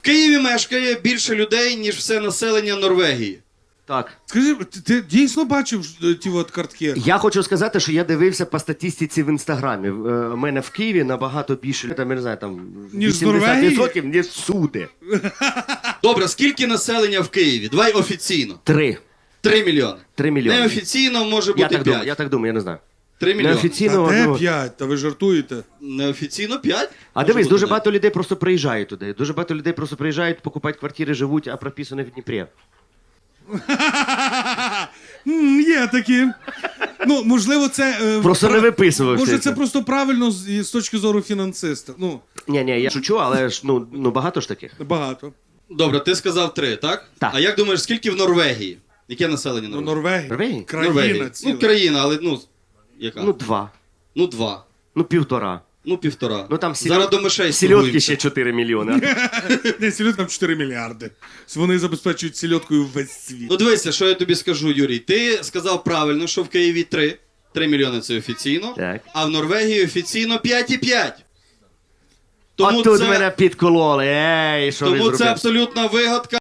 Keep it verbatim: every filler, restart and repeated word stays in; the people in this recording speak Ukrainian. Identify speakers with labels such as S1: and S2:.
S1: В Києві мешкає більше людей, ніж все населення Норвегії.
S2: Так.
S3: Скажи, ти, ти дійсно бачив е, ті от картки?
S2: Я хочу сказати, що я дивився по статистиці в Інстаграмі. Е, У мене в Києві набагато більше, там, я не знаю, там
S3: Ніж з
S2: вісімдесят
S3: Норвегії?
S2: відсотків, ніж всюди.
S1: Добре, скільки населення в Києві? Давай офіційно.
S2: Три.
S1: Три мільйони.
S2: Три мільйони.
S1: Неофіційно може
S2: Я
S1: бути
S2: так думаю,
S1: п'ять.
S2: я так думаю, я не знаю.
S1: Три мільйони.
S2: Неофіційно.
S3: Та де
S2: ну,
S3: п'ять? Та ви жартуєте?
S1: Неофіційно п'ять.
S2: А
S1: Може
S2: дивись,
S1: бути
S2: дуже
S1: навіть.
S2: багато людей просто приїжджають туди. Дуже багато людей просто приїжджають, покупають квартири, живуть, а прописані в Дніпрі.
S3: М, Є такі. Ну, можливо, це... е,
S2: Просто
S3: пра-
S2: не виписувався.
S3: Може, це просто правильно з, з точки зору фінансиста. Ну,
S2: Ні, ні, я шучу, але ж ну, ну багато ж таких.
S3: багато.
S1: Добре, ти сказав три, так?
S2: Так.
S1: А як думаєш, скільки в Норвегії? Яке населення
S3: Ну,
S1: Норвегії?
S3: Норвегія.
S2: Норвегії?
S3: Країна
S1: Норвегії.
S3: ціла.
S1: Ну, країна, але ну, яка?
S2: Ну, два.
S1: Ну, два.
S2: Ну, півтора.
S1: Ну, півтора.
S2: Ну там
S1: Зараз до мишей
S2: сільотки
S1: торгуємося.
S2: ще чотири мільйони.
S3: Не, сільотка там чотири мільярди. Вони забезпечують сільоткою весь світ.
S1: Ну, дивися, що я тобі скажу, Юрій. Ти сказав правильно, що в Києві три. Три мільйони це офіційно.
S2: Так.
S1: А в Норвегії офіційно п'ять і п'ять.
S2: От тут мене підкололи. Ей, що ви
S1: тому це
S2: зробили?
S1: абсолютна вигадка.